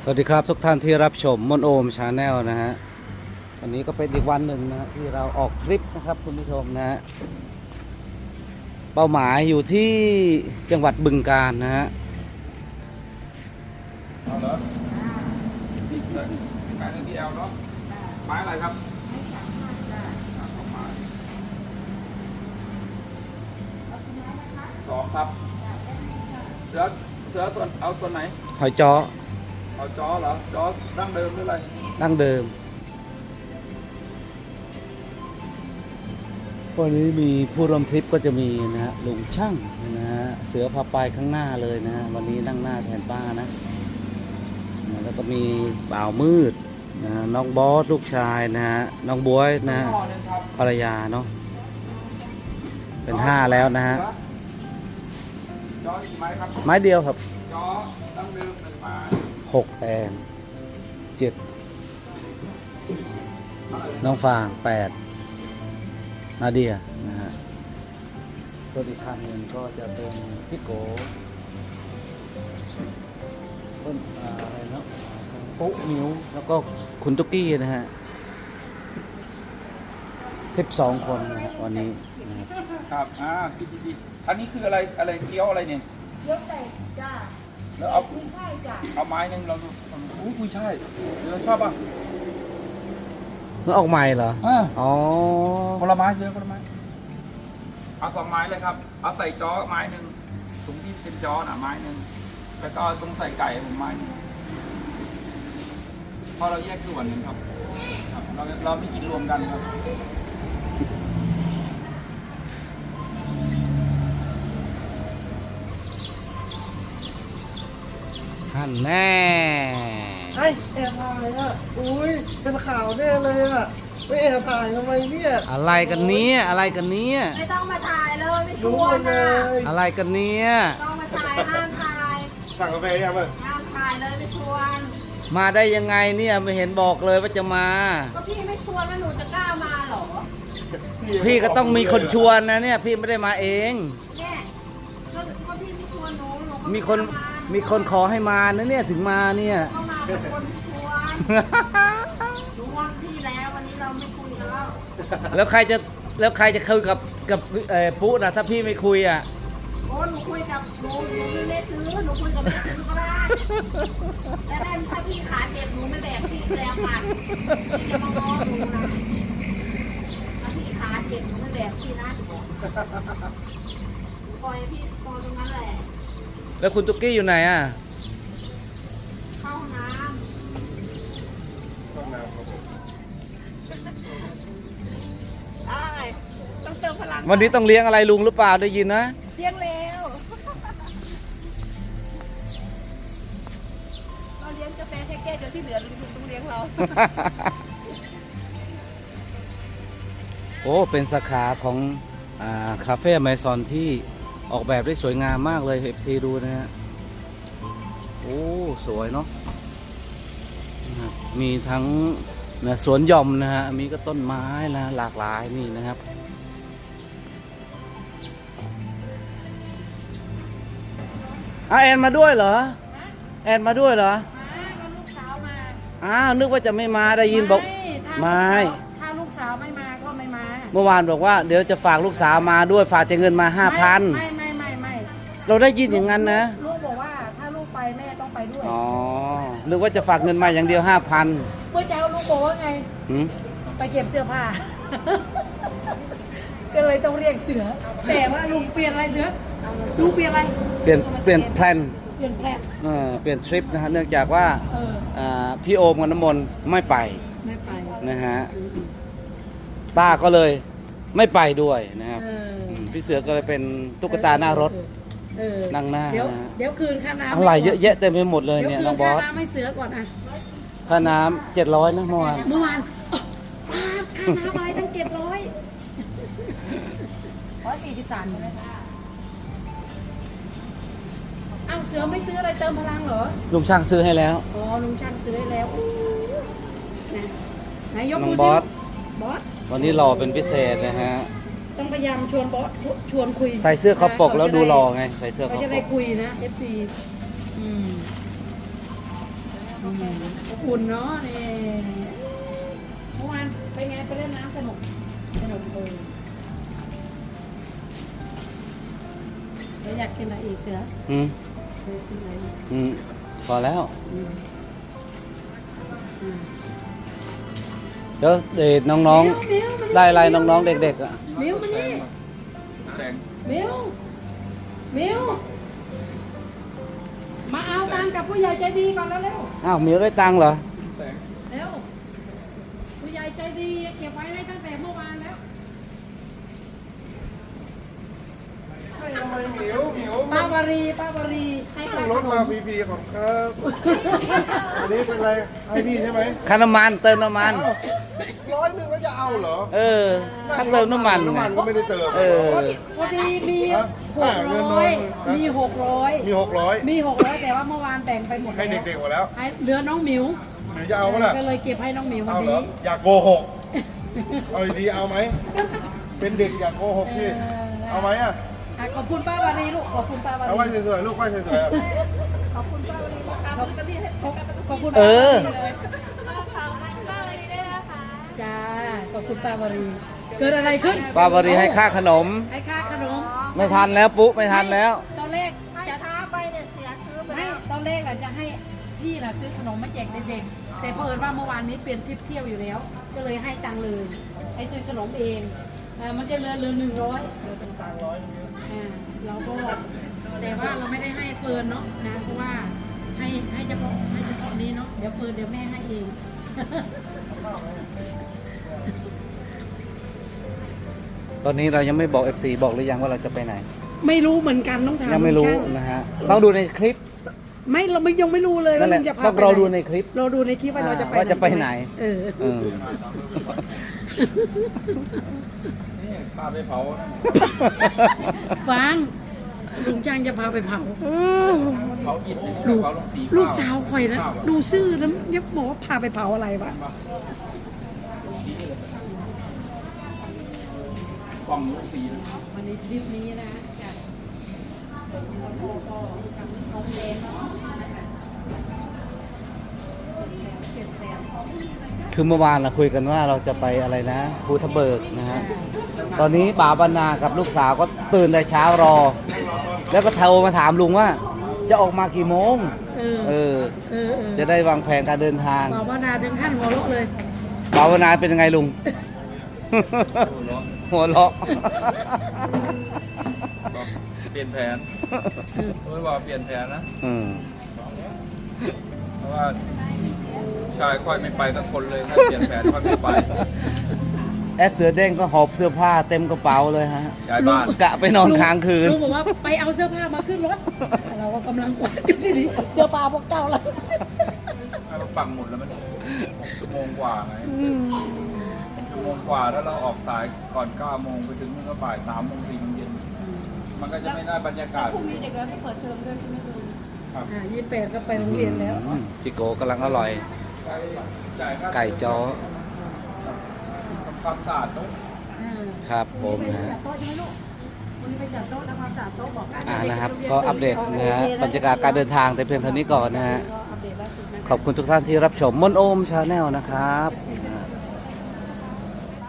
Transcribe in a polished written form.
สวัสดีครับทุกท่านที่รับชมมนโอมชาแนลนะฮะวันนี้ก็เป็นอีกวันหนึ่งนะที่เราออกทริปนะครับคุณผู้ชมนะฮะเป้าหมายอยู่ที่จังหวัดบึงกาฬนะฮะเอาเหรอนี่เลยขายเงินที่แอลเนาะไม้อะไรครับสองครับเสือส่วนเอาส่วนไหนหอยจ้อเอาจอเหรอจอดั้งเดิมหรืออะไรดั้งเดิมวันนี้มีผู้ร่วมทริปก็จะมีนะฮะลุงช่างนะฮะเสือพาไปข้างหน้าเลยนะฮะวันนี้นั่งหน้าแทนป้านะแล้วก็มีบ่าวมืดนะน้องบอสลูกชายนะฮะน้องบ๊วยนะฮะห่อหนึ่งครับภรรยาเนาะเป็น5แล้วนะฮะจอกี่ไม้ครับไม้เดียวครับจอดั้งเดิม1 ไม้ 6แอน7น้องฟาง8นาเดียนะฮะส่วนอีกคันหนึ่งก็จะเป็นพี่โกต้นอะไรเนาะปุ๊มิวแล้วก็คุณตุ๊กกี้นะฮะ12 คนนะฮะวันนี้นะครับครับดีอันนี้คืออะไรเกี๊ยวอะไรเนี่ยยกแต่จ้าแล้วเอาไม่ใช่จ้าเอาไม้หนึ่งเราอุ้ยกุยช่ายเราชอบป่ะเมื่อออกใหม่เหรอ อ๋อคนละไม้เสือคนละไม้เอา2 ไม้เลยครับเอาใส่จอไม้หนึ่งตรงที่เป็นจอไม้หนึ่งแล้วก็ตรงใส่ไก่ผมไม้หนึ่งพอเราแยกส่วนหนึ่งครับเราไม่กินรวมกันครับท่านแน่ไอ้แอบถ่ายอ่ะ อุ้ย เป็นข่าวแน่เลยอ่ะ ไม่แอบถ่ายทำไมเนี่ยอะไรกันเนี้ยอะไรกันเนี้ยไม่ต้องมาถ่ายเลยไม่ชรู้วหมนดเลนะยอะไรกันเนี้ยต้องมาถ่ายห้ามถ่ายสั่งกาแฟยังมั้งห้ามถ่ายเลยไม่ชวนมาได้ยังไงเนี่ยไม่เห็นบอกเลยว่าจะมาก็พี่ไม่ชวนแล้วหนูจะกล้ามาเหรอพี่ก็ต้องมีคนชวนนะเนี่ยพี่ไม่ได้มาเองเนี่ยก็พี่ไม่ชวนหนูก็มีคนไามีคนขอให้มานะเนี่ยถึงมาเนี่ยก็มาเป็นคนที่ชวนหนูงอนพี่แล้ววันนี้เราไม่คุยกันแล้วแล้วใครจะคุยกับปุ๊นะถ้าพี่ไม่คุยอ่ะโอ้หนูคุยกับหนูไม่ได้ซื้อหนูคุยกับแม่ซื้อก็ได้แต่ได้ถ้าพี่ขาเจ็บหนูไม่แบกพี่แรงมันพี่จะมาง้อหนูนะถ้าพี่ขาเจ็บหนูไม่แบกพี่นะจะบอกปล่อยพี่ปล่อยตรงนั้นแหละแล้วคุณตุ๊กกี้อยู่ไหนอ่ะเข้าห้องน้ำได้ต้องเติมพลังวันนี้ต้องเลี้ยงอะไรลุงหรือเปล่าได้ยินนะเลี้ยงแล้วเราเลี้ยงกาแฟแค่แก้วเดียวที่เหลือลุงต้องเลี้ยงเราโอ้เป็นสาขาของคาเฟ่ไมซอนที่ออกแบบได้สวยงามมากเลยเอฟซีดูนะฮะโอ้สวยเนาะนะครับมีทั้งสวนหย่อมนะฮะมีก็ต้นไม้นะหลากหลายนี่นะครับแอนมาด้วยเหรอแอนมาด้วยเหรอก็ลูกสาวมาอ้าวนึกว่าจะไม่มาได้ยินบอก ไม่ถ้าลูกสาวไม่มาก็ไม่มาเมื่อวานบอกว่าเดี๋ยวจะฝากลูกสาวมาด้วยฝากแต่เงินมา 5,000 ไม่เราได้ยินอย่างนั้นนะลูกบอกว่าถ้าลูกไปแม่ต้องไปด้วยอ๋อนึกว่าจะฝากเงินมาอย่างเดียว 5,000 เมื่อเช้าลูกบอกว่าไงหืมไปเก็บเสื้อผ้า ก็เลยต้องเรียกเสือ แต่ว่าลุงเปลี่ยนอะไรเสือลุงเปลี่ยนอะไรเปลี่ยนแพลนเปลี่ยนแพลนเปลี่ยนทริปนะฮะเนื่องจากว่า พี่โอมกับน้ำมนต์ไม่ไปไม่ไปนะฮะป้าก็เลยไม่ไปด้วยนะครับเออพี่เสือก็เลยเป็นตุ๊กตาหน้ารถเออนั่งหน้าเดี๋ยวนะฮะเดี๋ยวคืนค่าน้ำอะไรเยอะแยะเต็มไปหมดเลยเดี๋ยวเนี่ยคืน้อน งบอค่าสน้ำให้เสือก่อนอ่ะค่าน้ำ700นะเมื่อวานเมื่อวานค่าน้ำอะไรตั้ง700 143ใช่ไหมคะอ้าวเสือไม่ซื้ออะไรเติมพลังเหรอลุงช่างซื้อให้แล้วอ๋อลุงช่างซื้อให้แล้วอู้นะไหนยกน้องมืบอสบอสวันนี้หล่อเป็นพิเศษนะฮะต้องพยายามชวนบอสชวนคุยใส่เสื้อคอปกแล้วดูหล่อไงใส่เสื้อคเขาอจะปได้กคุยนะ FC อืมอบอุ่นเนาะนี่เมื่อวานไปไงไปเล่นน้ำสนุกเลยแล้วอยากกินอะไรอีกเสืออืมเคยกินอะไรอีกพอแล้วอืมเดี๋ยวเด็กน้องๆ ได้อะไรน้องๆ เด็กๆอ่ะมิวมานี่แสงมิวมาเอาตังค์กับผู้ใหญ่ใจดีก่อนแล้วเร็วอ้าวมิวได้ตังค์เหรอแสงเร็วผู้ใหญ่ใจดีเก็บไว้ให้ตั้งแต่เมื่อวานแล้วให้ทำไมเหมียวป้าวารีให้นั่ค่างรถมาฟรีๆของครับอันนี้เป็นไรให้พี่ใช่ไหมค่าน้ำมันเติมน้ำมัน 100ก็จะเอาเหรอเออถ้าเติมน้ำมันน้ำมันก็ไม่ได้เติมเออพอดีมีฮะ 600มี600 มี600 มี600แต่ว่าเมื่อวานแบ่งไปหมดให้แล้วเด็กๆหมดแล้วให้เหลือน้องหมิวหรือจะเอาปะล่ะก็เลยเก็บให้น้องหมิววันเอาเหรอนี้อย่าโกหกเอาดีๆเอาไหมเป็นเด็กอย่าโกหกสิเอาไหมอ่ะอ่ะขอบคุณป้าวารีลูกขอบคุณป้าวาเอาไว้รีสวยๆลูกไว้สวยๆอะขอบคุณเออจ้าขอบคุณป้าวารีเกิดอะไรขึ้นป้าวารีให้ค่าขนมให้ค่าขนมไม่ทันแล้วปุ๊ไม่ทันแล้วตอนแรกให้จะช้าไปเนี่ยเสียชื่อไปไม่แล้วตอนแรกเราจะให้พี่น่ะซื้อขนมมาแจกเด็กๆแต่เผอิญว่าเมื่อวานนี้เปลี่ยนทริปเที่ยวอยู่แล้ว ก็เลยให้ตังค์เลยให้ซื้อขนมเองมันจะเหลือ100เราก็แต่ว่าเราไม่ได้ให้เฟิร์นเนาะนะเพราะว่าให้เฉพาะนี้เนาะเดี๋ยวเฟิร์นเดี๋ยวแม่ให้เองตอนนี้เรายังไม่บอก FC บอกหรือยังว่าเราจะไปไหนไม่รู้เหมือนกันต้องถามยังไม่รู้ช่างนะฮะ ต้องดูในคลิปไม่เราไม่ยังไม่รู้เลยนั่นแหละลุงจะพาต้องไปรอไหนดูในคลิปเราดูในคลิปว่าเราจะไปว่าจะไปไหนเออเออนี่พาไปเผาฟังลุงช่างจะพาไปเผาเผาอิฐลูกเผาลงสีลูกสาวข่อยนะดูซื่อแล้วยังบอกว่าพาไปเผาอะไรวะกล่องลงสีนะวันนี้ทริปนี้นะจากน้องเลนเนาะนะคะเปลี่ยนแปลงคือเมื่อวานเราคุยกันว่าเราจะไปอะไรนะภูทะเบิกนะฮะ ตอนนี้ป่าบรรณากับลูกสาวก็ตื่นแต่เช้ารอ แล้วก็โทรมาถามลุงว่า จะออกมากี่โมงเออเออเออเออจะได้วางแผนการเดินทางบอกว่านาถึงขั้นหัวเราะเลยป่าบรรณาเป็นยังไงลุง หัวเราะเปลี่ยนแผนไม่ว่าเปลี่ยนแผนนะอืมเพราะว่าชายค่อยไม่ไปสักคนเลยถ้าเปลี่ยนแผนค่อยไม่ไปแอดเสือเด้งก็หอบเสื้อผ้าเต็มกระเป๋าเลยฮะย้ายบ้านกะไปนอนค้างคืนลุงบอกว่าไปเอาเสื้อผ้ามาขึ้นรถเราก็กำลังกวาดอยู่ดีๆเสื้อผ้าพวกเจ้าเราถ้าเราปังหมดแล้วมันชั่วโมงกว่าไงชั่วโมงกว่าถ้าเราออกสายก่อน9 โมงไปถึงนู่นก็บ่าย3 โมง 4 โมงเย็น มันก็จะไม่ได้บรรยากาศพรุ่งนี้เด็กเราไม่เปิดเทอมด้วยใช่ไหมคุณครับ 28ก็ไปโรงเรียนแล้วจิโกกำลังอร่อยจ่ายค่าไก่จ้อทำความสะอาดโต๊ะครับผมวันนี้นะไปจัดโต๊ะใช่ไหมลูกวันนี้ไปจัดโต๊ะทำความสะอาดโต๊ะบอกกันนะครับ ก็อัปเดตนะฮะบรรยากาศการเดินทางแต่เพียงเท่านี้ก่อนนะฮะก็อัปเดตล่าสุดนะคะขอบคุณทุกท่านที่รับชมมนโอมชาแนลนะครับ FC